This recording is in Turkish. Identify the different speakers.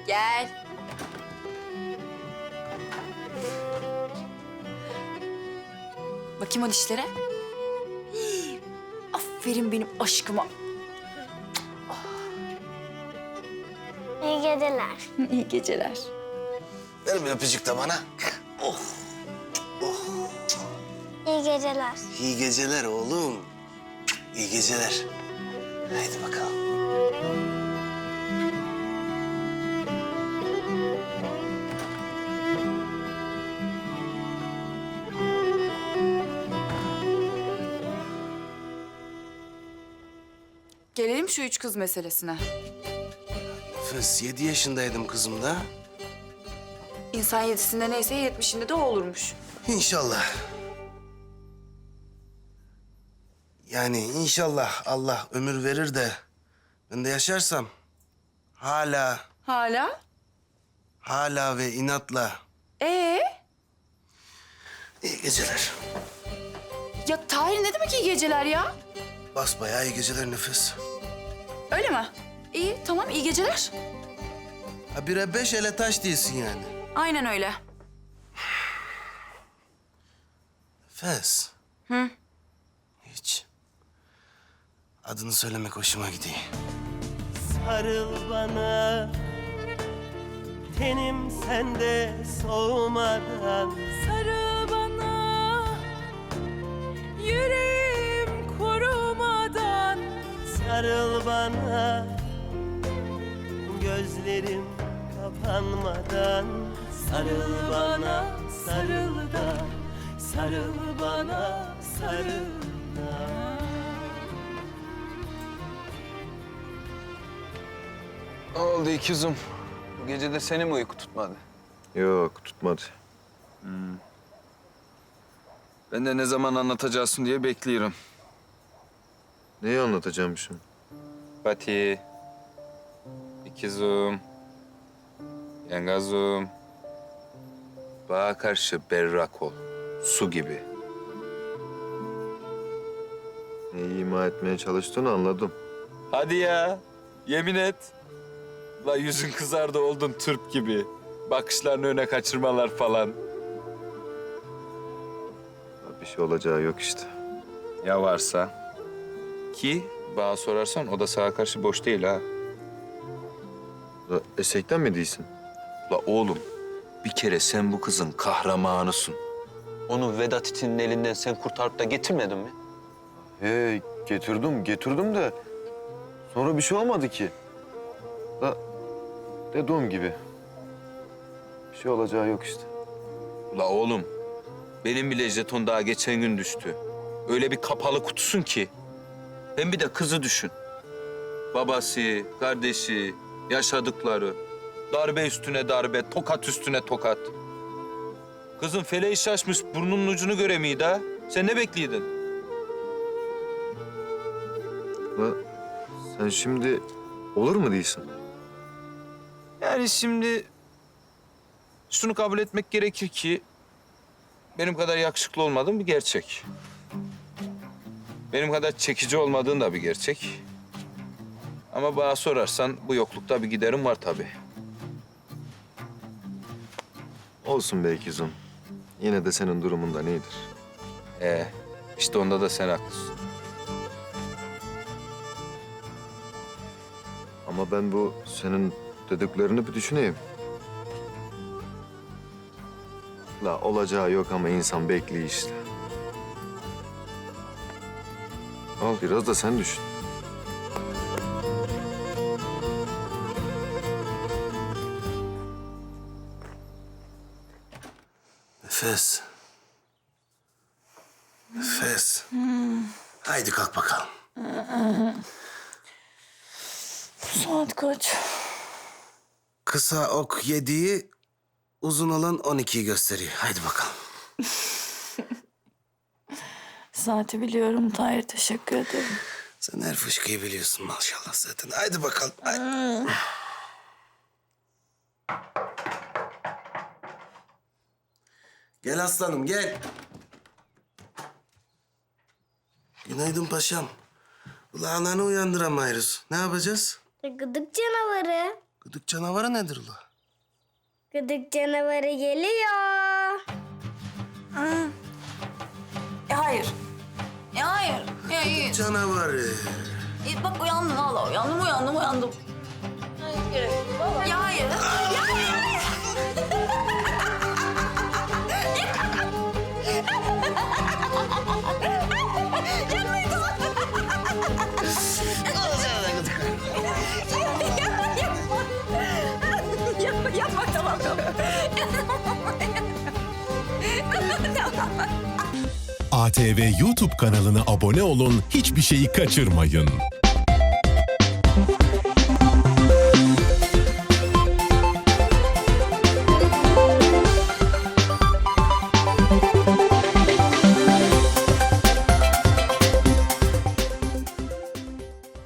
Speaker 1: Gel. Bakayım o dişlere. Hii, aferin benim aşkıma.
Speaker 2: İyi geceler.
Speaker 1: İyi geceler.
Speaker 3: Ver bir öpücük de bana. Oh.
Speaker 2: İyi geceler.
Speaker 3: İyi geceler oğlum. İyi geceler. Haydi bakalım.
Speaker 1: Gelelim şu üç kız meselesine.
Speaker 3: Nefes 7 yaşındaydım kızım da.
Speaker 1: İnsan yedisinde neyse 70'inde de o olurmuş.
Speaker 3: İnşallah. Yani inşallah Allah ömür verir de ben de yaşarsam
Speaker 1: Hala?
Speaker 3: hala ve inatla
Speaker 1: Ee?
Speaker 3: iyi geceler.
Speaker 1: Ya Tahir ne demek iyi geceler ya?
Speaker 3: Basbayağı iyi geceler Nefes.
Speaker 1: Öyle mi? İyi, tamam iyi geceler.
Speaker 3: Ha bire 5 ele taş değilsin yani.
Speaker 1: Aynen öyle.
Speaker 3: Nefes.
Speaker 1: Hı?
Speaker 3: Hiç. Adını söylemek hoşuma gidiyor.
Speaker 4: Sarıl bana, tenim sende soğumadan.
Speaker 5: Sarıl bana, yüreğim kurumadan.
Speaker 4: Sarıl bana, gözlerim kapanmadan. Sarıl bana, sarıl da, sarıl bana, sarıl da.
Speaker 6: Ne oldu ikizim? Bu gece de seni mi uyku tutmadı?
Speaker 7: Yok, tutmadı.
Speaker 6: Ben de ne zaman anlatacaksın diye bekliyorum.
Speaker 7: Neyi anlatacağım şimdi?
Speaker 6: Fatih, ikizim, yengazım. Bana karşı berrak ol, su gibi.
Speaker 7: Neyi ima etmeye çalıştığını anladım.
Speaker 6: Hadi ya, yemin et. La yüzün kızardı oldun Türk gibi. Bakışlarını öne kaçırmalar falan.
Speaker 7: Ya bir şey olacağı yok işte.
Speaker 6: Ya varsa? Ki bana sorarsan o da sana karşı boş değil ha.
Speaker 7: Da esekten mi değilsin?
Speaker 6: La oğlum, bir kere sen bu kızın kahramanısın. Onu Vedat itinin elinden sen kurtarıp da getirmedin mi?
Speaker 7: He, getirdim de sonra bir şey olmadı ki. Da dediğim gibi bir şey olacağı yok işte.
Speaker 6: La oğlum, benim bile jeton daha geçen gün düştü. Öyle bir kapalı kutusun ki. Hem bir de kızı düşün. Babası, kardeşi, yaşadıkları. Darbe üstüne darbe, tokat üstüne tokat. Kızın feleği şaşmış, burnunun ucunu göremiydi ha. Sen ne bekliyordun?
Speaker 7: Da sen şimdi olur mu değilsin?
Speaker 6: Yani şimdi şunu kabul etmek gerekir ki benim kadar yakışıklı olmadığın bir gerçek. Benim kadar çekici olmadığın da bir gerçek. Ama bana sorarsan bu yoklukta bir giderim var tabii.
Speaker 7: Olsun be ikizim. Yine de senin durumundan iyidir.
Speaker 6: İşte onda da sen haklısın.
Speaker 7: Ama ben bu senin dediklerini bir düşüneyim. La olacağı yok ama insan bekliyor işte. Al biraz da sen düşün.
Speaker 3: Nefes. Nefes. Haydi kalk bakalım.
Speaker 5: Saat kaç?
Speaker 3: Kısa ok 7'yi, uzun olan 12'yi gösteriyor. Haydi bakalım.
Speaker 5: Saati biliyorum Tahir, teşekkür ederim.
Speaker 3: Sen her fışkıyı biliyorsun maşallah zaten. Haydi bakalım. Haydi. Gel aslanım gel. Günaydın paşam. Ulan ananı uyandıramayız. Ne yapacağız?
Speaker 2: Gıdık canavarı.
Speaker 3: Gıdık canavarı nedir ula?
Speaker 2: Gıdık canavarı geliyor.
Speaker 5: Hayır. Hayır. Hayır.
Speaker 3: Canavarı.
Speaker 5: Bak uyandım valla. Uyandım. Ya hayır. Yapma tamam.
Speaker 8: ATV YouTube kanalına abone olun, hiçbir şeyi kaçırmayın.